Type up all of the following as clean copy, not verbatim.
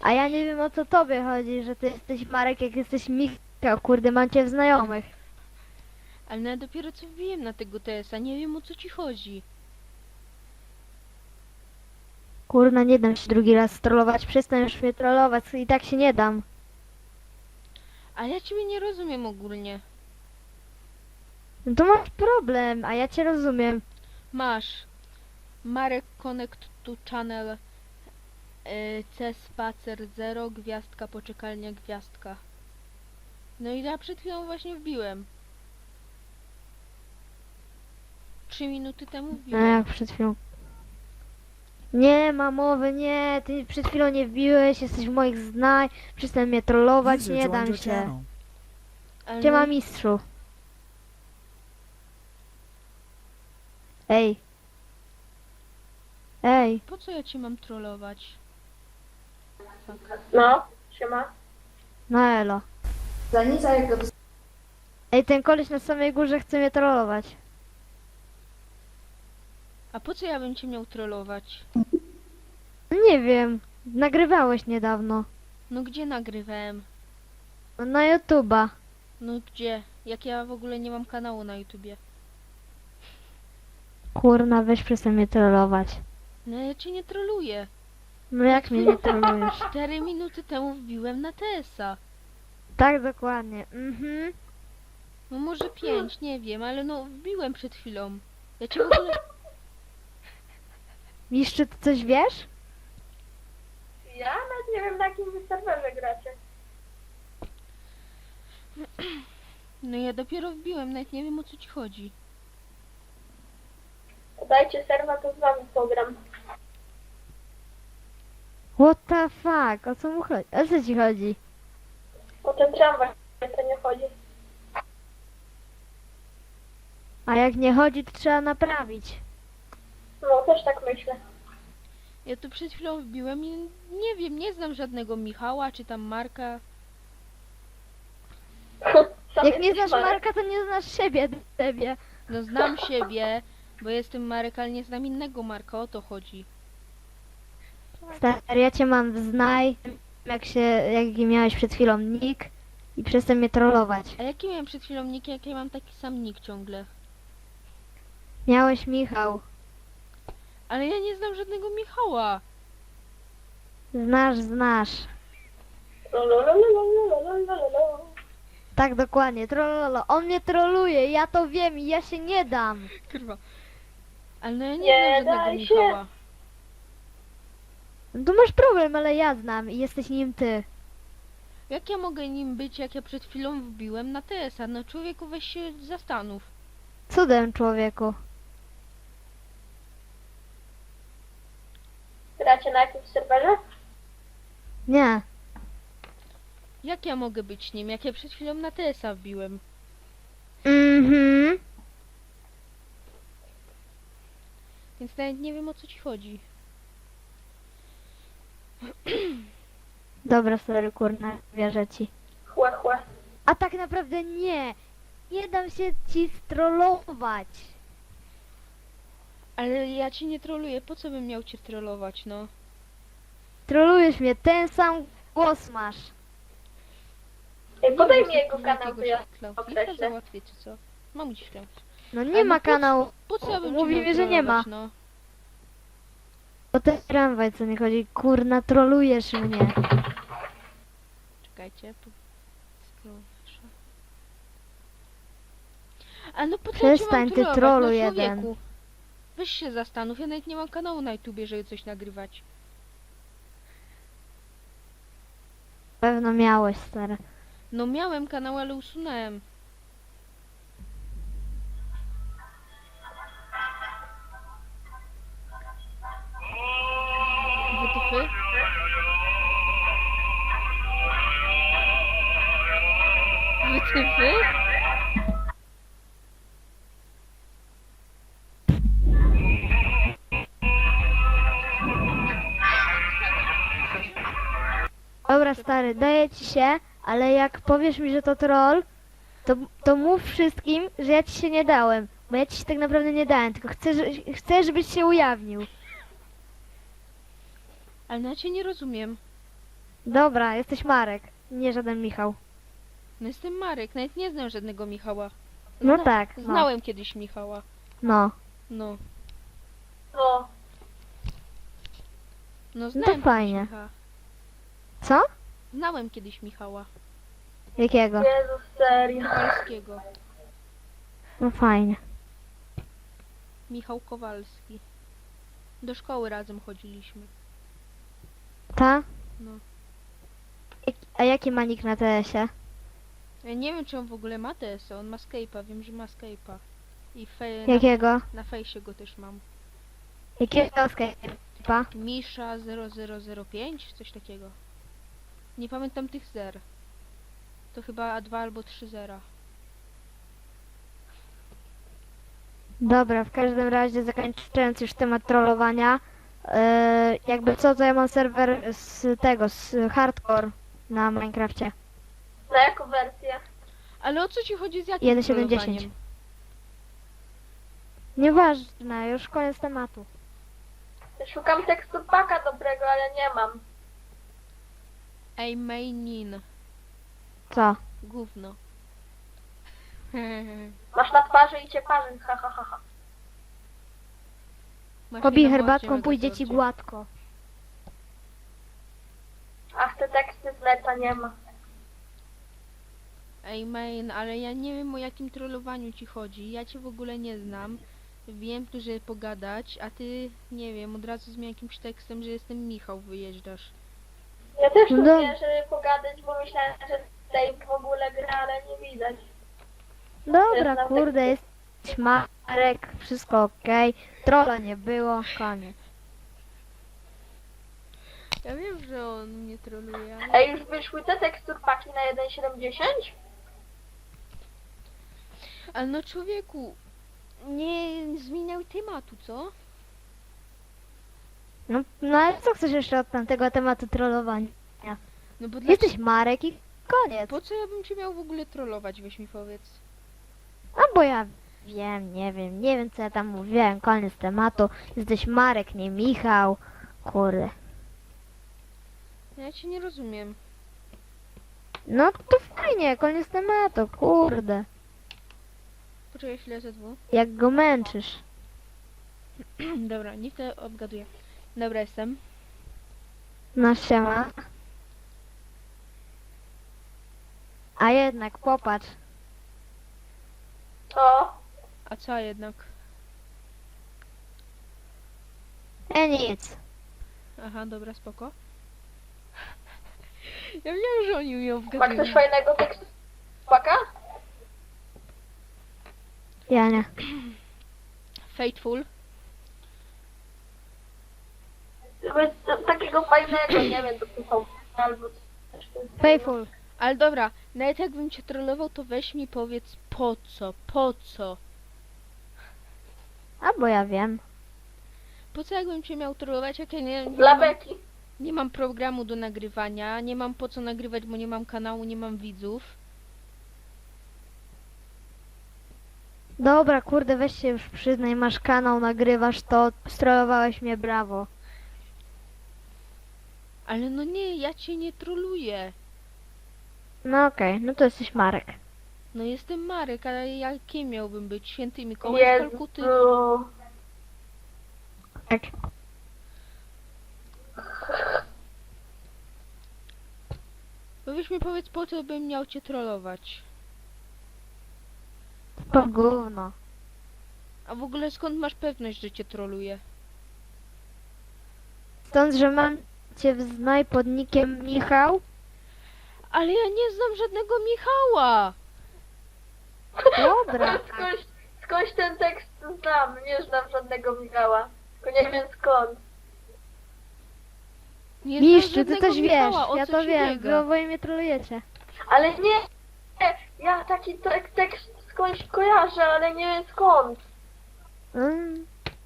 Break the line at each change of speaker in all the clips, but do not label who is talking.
A ja nie wiem, o co tobie chodzi, że ty jesteś Marek, jak jesteś Michał, kurde, mam cię w znajomych.
Ale no ja dopiero co wbiłem na tego TS-a, nie wiem o co ci chodzi.
Kurna, nie dam się drugi raz trollować, przestań już mnie trollować, i tak się nie dam.
Ale ja ciebie nie rozumiem ogólnie.
No to masz problem, a ja cię rozumiem.
Masz Marek Connect to Channel C spacer 0 gwiazdka poczekalnia gwiazdka. No i ja przed chwilą właśnie wbiłem. 3 minuty temu
No
wbiłem.
jak przed chwilą. Nie ma mowy, nie, ty przed chwilą nie wbiłeś, jesteś w moich znaj, przestań mnie trollować,
User
nie
joined
dam
your
się.
channel.
Ale
Gdzie
no
ma
i-
mistrzu? Ej. Ej,
Po co ja cię mam trollować?
No, siema.
no elo.
Za nic, a jak go
Ej, ten koleś na samej górze chce mnie trollować.
A po co ja bym cię miał trollować?
Nie wiem, nagrywałeś niedawno.
No gdzie nagrywałem?
No, na YouTube'a.
No gdzie? Jak ja w ogóle nie mam kanału na YouTubie.
Kurna, weź przestań mnie trollować.
No ja cię nie troluję.
No jak mnie nie trollujesz?
4 minuty temu wbiłem na TS-a.
Tak, dokładnie. Mhm.
No może 5, nie wiem, ale no wbiłem przed chwilą. Ja cię w ogóle...
Mistrzu, ty coś wiesz?
Ja nawet nie wiem, na jakim wy serwerze gracie.
No ja dopiero wbiłem, nawet nie wiem o co ci chodzi.
Dajcie serwa, to z wami program.
What the fuck? O co mu chodzi? O co ci chodzi?
O ten tramwaj to nie chodzi.
A jak nie chodzi, to trzeba naprawić.
No, też tak myślę.
Ja tu przed chwilą wbiłem i nie wiem, nie znam żadnego Michała czy tam Marka.
Sam
Jak nie
jesteś
znasz
Marek.
Marka, to nie znasz siebie.
No znam siebie, bo jestem Marek, ale nie znam innego Marka, o to chodzi.
Stary, ja cię mam w znaj, jaki miałeś przed chwilą nick i przestań mnie trollować.
A jaki miałem przed chwilą nick, jak ja mam taki sam nick ciągle?
Miałeś Michał.
Ale ja nie znam żadnego Michała.
Znasz.
Lololololololololololol.
Tak, dokładnie, trollolo. On mnie troluje, ja to wiem i ja się nie dam.
Kurwa. Ale no ja nie,
Nie
znam żadnego
daj się.
Michała.
No tu masz problem, ale ja znam i jesteś nim ty.
Jak ja mogę nim być, jak ja przed chwilą wbiłem na TS-a? No człowieku, weź się zastanów.
Cudem, człowieku.
Gracie na jakimś serwerze?
Nie.
Jak ja mogę być nim, jak ja przed chwilą na TS-a wbiłem?
Mhm.
Więc nawet nie wiem o co ci chodzi.
Dobra, sorry, kurna, wierzę ci.
Chłe, chłe.
A tak naprawdę nie. Nie dam się ci strollować.
Ale ja cię nie troluję, po co bym miał cię trollować, no?
Trolujesz mnie, ten sam głos masz.
Ej, podaj mi
Nie,
jego kanał, to ja
Klika
określę.
załatwię, czy co? Mam dziś klęć.
No
Ale
nie
no
ma
po co-
kanału.
Po co ja bym
Mówi
cię
mi,
miał
że nie ma.
trollować, no?
O ten tramwaj, co nie chodzi. Kurna, trolujesz mnie.
Czekajcie, scrollsza. A no po co
Przestań,
ja cię
ty
mam
trolu
trollować, no
jeden.
człowieku? Weź się zastanów, ja nawet nie mam kanału na YouTubie, żeby coś nagrywać.
Pewno miałeś, stary.
No miałem kanał, ale usunąłem. Wytyfy? Wytyfy?
Dobra, stary, daję ci się, ale jak powiesz mi, że to troll, to mów wszystkim, że ja ci się nie dałem. Bo ja ci się tak naprawdę nie dałem, tylko chcę, żebyś się ujawnił.
Ale no ja cię nie rozumiem.
Dobra, jesteś Marek, nie żaden Michał.
No jestem Marek, nawet nie znam żadnego Michała.
No tak, no.
Znałem kiedyś Michała.
No,
No.
No.
No znałem
fajnie.
kiedyś Michała.
co?
Znałem kiedyś Michała.
Jakiego?
Jezus, serio.
Kowalskiego.
No fajnie.
Michał Kowalski. Do szkoły razem chodziliśmy.
Ta?
No.
A jaki ma nick na TS-ie?
Ja nie wiem, czy on w ogóle ma TS, on ma Skype'a, wiem, że ma Skype'a. I
Jakiego?
na fejsie go też mam.
Jakiego Skype'a?
Misza 0005, coś takiego. Nie pamiętam tych zer. To chyba 2 albo 3 zera.
Dobra, w każdym razie zakończając już temat trollowania, jakby co, to ja mam serwer z tego, z hardcore na Minecrafcie.
Na jaką wersję?
Ale o co ci chodzi z jakim
1.7.10.
trollowaniem?
Nieważne, już koniec tematu.
Szukam tekstu paka dobrego, ale nie mam.
Ej, mainin.
Co?
Gówno.
Masz na twarzy i cię parzy, ha ha ha ha.
Masz
Pobij
mnie na
herbatką,
mordzie,
pójdzie ci
Megazordzie.
gładko.
Ach, te teksty z neta nie ma.
Ej, main, ale ja nie wiem, o jakim trollowaniu ci chodzi. Ja cię w ogóle nie znam. Wiem tu, że pogadać, a ty, nie wiem, od razu z jakimś tekstem, że jestem Michał, wyjeżdżasz.
Ja też tu
No.
wiem, żeby pogadać, bo myślałem, że tutaj w ogóle gra, ale nie widać.
Dobra,
Znam
kurde, jesteś Marek, wszystko okej. Trolla nie było, koniec.
Ja wiem, że on mnie troluje, ale...
Ej, już wyszły te teksturpaki na 1.7.10?
Ale no człowieku, nie zmieniał tematu, co?
No ale co chcesz jeszcze od tamtego tematu trollowania?
No bo
Jesteś Marek i koniec.
Po co ja bym cię miał w ogóle trollować, weź mi powiedz.
A bo ja wiem, nie wiem co ja tam mówiłem, koniec tematu. Jesteś Marek, nie Michał. Kurde.
Ja cię nie rozumiem.
No to fajnie, koniec tematu, kurde.
Poczekaj chwilę, ze dwu.
Jak go męczysz.
Dobra, niech to obgaduje. Dobra, jestem.
No siema. A jednak popatrz.
O,
A co jednak?
Nic.
Aha, dobra, spoko. Ja wiem, że oni ją
ma
wgadują.
ktoś fajnego tekstupaka?
Ja nie.
Fateful.
Takiego fajnego, nie wiem, dopisał albo coś.
Faithful.
Ale dobra, nawet jakbym cię trollował, to weź mi powiedz po co, po co?
A bo ja wiem.
Po co jakbym cię miał trollować, jak ja
Dla beki.
nie mam programu do nagrywania, nie mam po co nagrywać, bo nie mam kanału, nie mam widzów.
Dobra, kurde, weź się już przyznaj, masz kanał, nagrywasz to, strollowałeś mnie, brawo.
Ale no nie, ja cię nie troluję.
No okej, no to jesteś Marek.
No jestem Marek, ale ja kim miałbym być? Święty Mikołaj z Kalkuty?
Jezu.
Tak.
No weź mi powiedz, po co bym miał cię trollować?
To gówno.
A w ogóle skąd masz pewność, że cię troluję?
Stąd, że mam cię w znaj pod nickiem Michał.
Ale ja nie znam żadnego Michała!
Dobra.
Skądś ten tekst znam, nie znam żadnego Michała. Tylko nie wiem skąd.
Nie
Mistrzu,
znam
ty
żadnego
też wiesz,
Michała, o
ja
co
to
ci
wiem,
biega?
wy oboje mnie trolujecie.
Ale nie, ja taki tekst skądś kojarzę, ale nie wiem skąd.
Mm.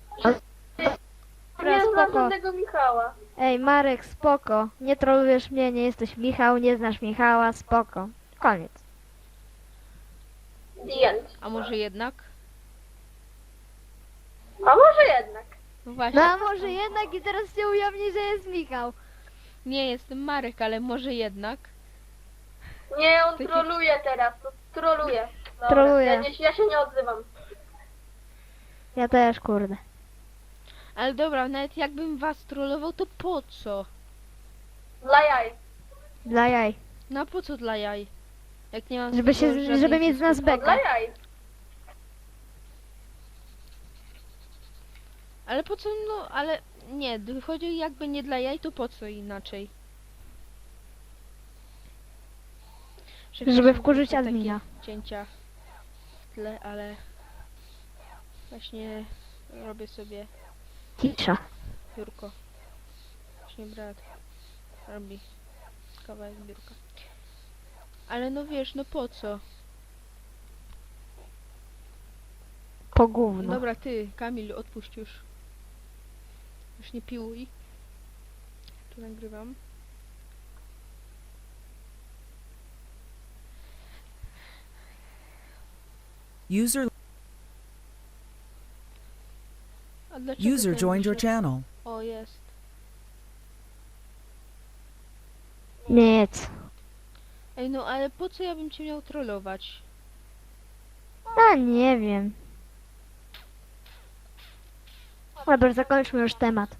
Nie znam
spoko.
żadnego Michała.
Ej, Marek, spoko. Nie trolujesz mnie, nie jesteś Michał, nie znasz Michała, spoko. Koniec.
The end.
A może jednak?
A może jednak.
No właśnie.
No a może jednak i teraz się ujawni, że jest Michał.
Nie, jestem Marek, ale może jednak.
Nie, on
Taki-
troluje teraz, to troluje. Dobra,
Troluje.
ja się nie odzywam.
Ja też, kurde.
Ale dobra, nawet jakbym was trollował, to po co?
Dla jaj.
Dla jaj.
No a po co dla jaj? Jak nie mam
Żeby,
z tego
się,
żadnej
żeby mieć z nas
No, dla
bekę.
jaj.
Ale po co, no, ale nie, chodzi jakby nie dla jaj, to po co inaczej?
Żeby wkurzyć
są takie
admina.
cięcia w tle, ale właśnie robię sobie
Cisza.
biurko. Właśnie brat robi kawałek biurka. Ale no wiesz, no po co?
Po gówno.
Dobra, ty, Kamil, odpuść już. Już nie piłuj. Tu nagrywam.
User
A dlaczego
user
ten
joined your
wyszedł?
channel.
O, jest.
Nic.
Ej, no ale po co ja bym cię miał trollować?
A nie wiem. Dobra, zakończmy już temat.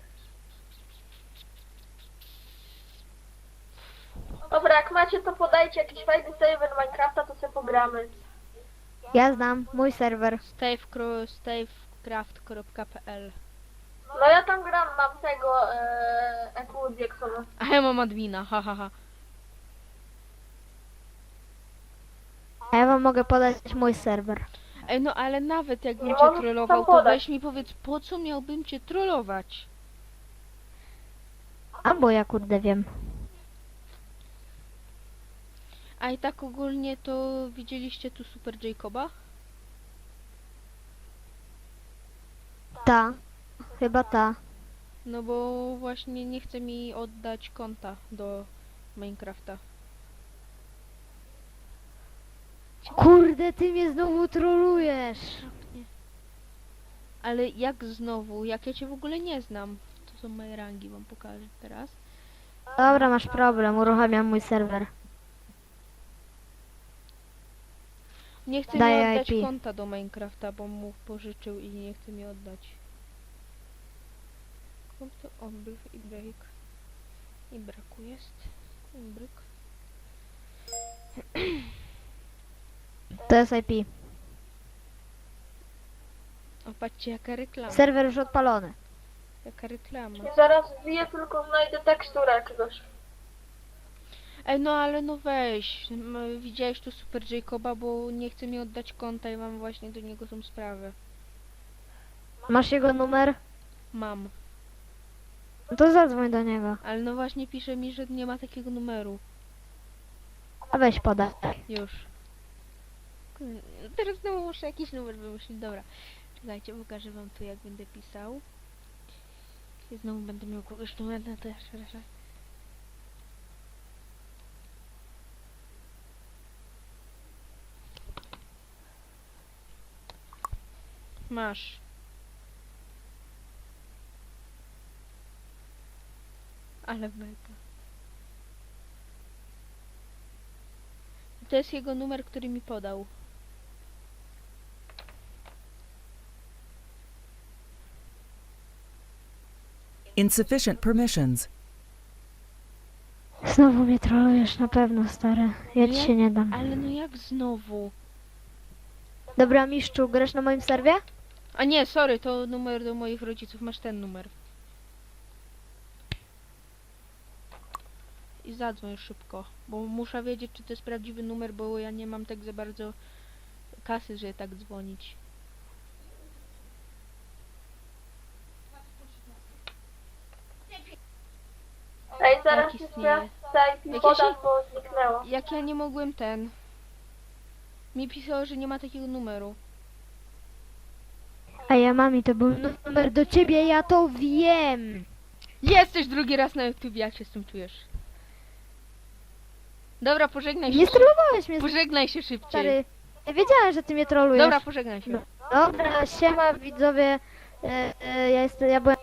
Dobra, jak macie, to podajcie jakiś fajny serwer Minecrafta, to sobie pogramy.
Ja znam mój serwer.
stavecraft.pl.
No ja tam gram, mam tego EQ Jacksona.
A ja mam admina, ha ha ha.
A ja wam mogę podać mój serwer.
Ej, no ale nawet jakbym
Nie
cię
możesz
trollował,
tam
to
podać.
weź mi powiedz, po co miałbym cię trollować?
A bo ja kurde wiem.
A i tak ogólnie to widzieliście tu Super Jacoba?
Ta. Chyba ta.
No bo właśnie nie chce mi oddać konta do Minecrafta.
Kurde, ty mnie znowu trolujesz.
Ale jak znowu? Jak ja cię w ogóle nie znam? To są moje rangi, wam pokażę teraz.
Dobra, masz problem. Uruchamiam mój serwer.
Nie chce mi
Daję
oddać
IP.
konta do Minecrafta, bo mu pożyczył i nie chce mi oddać. Konto odbyw i break. I braku jest. I bryk.
To jest IP.
O, patrzcie jaka reklama.
Serwer już odpalony.
Jaka reklama.
I zaraz wbiję, tylko znajdę teksturę jakiegoś.
Ej, no ale no weź. Widziałeś tu Super Jacoba, bo nie chce mi oddać konta i mam właśnie do niego tą sprawę.
Masz jego numer?
Mam.
No to zadzwoń do niego.
Ale no właśnie pisze mi, że nie ma takiego numeru.
A weź podaj.
Już. Teraz znowu muszę jakiś numer wymyślić. Dobra. Czekajcie, pokażę wam tu jak będę pisał. I znowu będę miał kogoś numer, no to jeszcze raz. Masz. Ale beka. To jest jego numer, który mi podał.
Insufficient permissions.
Znowu mnie trolujesz na pewno, stary. Ja ci
Jak?
się nie dam.
Ale no jak znowu?
Dobra, mistrzu, grasz na moim serwie?
A nie, sorry, to numer do moich rodziców. Masz ten numer. I zadzwoń szybko, bo muszę wiedzieć, czy to jest prawdziwy numer, bo ja nie mam tak za bardzo kasy, żeby tak dzwonić.
Ej, zaraz
Jak
jeszcze
istnieje?
IP
Jak
podam,
ja się-
bo zniknęło.
Jak ja nie mogłem ten... Mi pisało, że nie ma takiego numeru.
A ja mam i to był numer do ciebie, ja to wiem.
Jesteś drugi raz na YouTube, jak się z tym czujesz? Dobra, pożegnaj się.
Nie trollowałeś mnie,
Pożegnaj się szybciej.
stary. Ja wiedziałem, że ty mnie trolujesz.
Dobra, pożegnaj się.
Dobra, siema widzowie. Ja byłem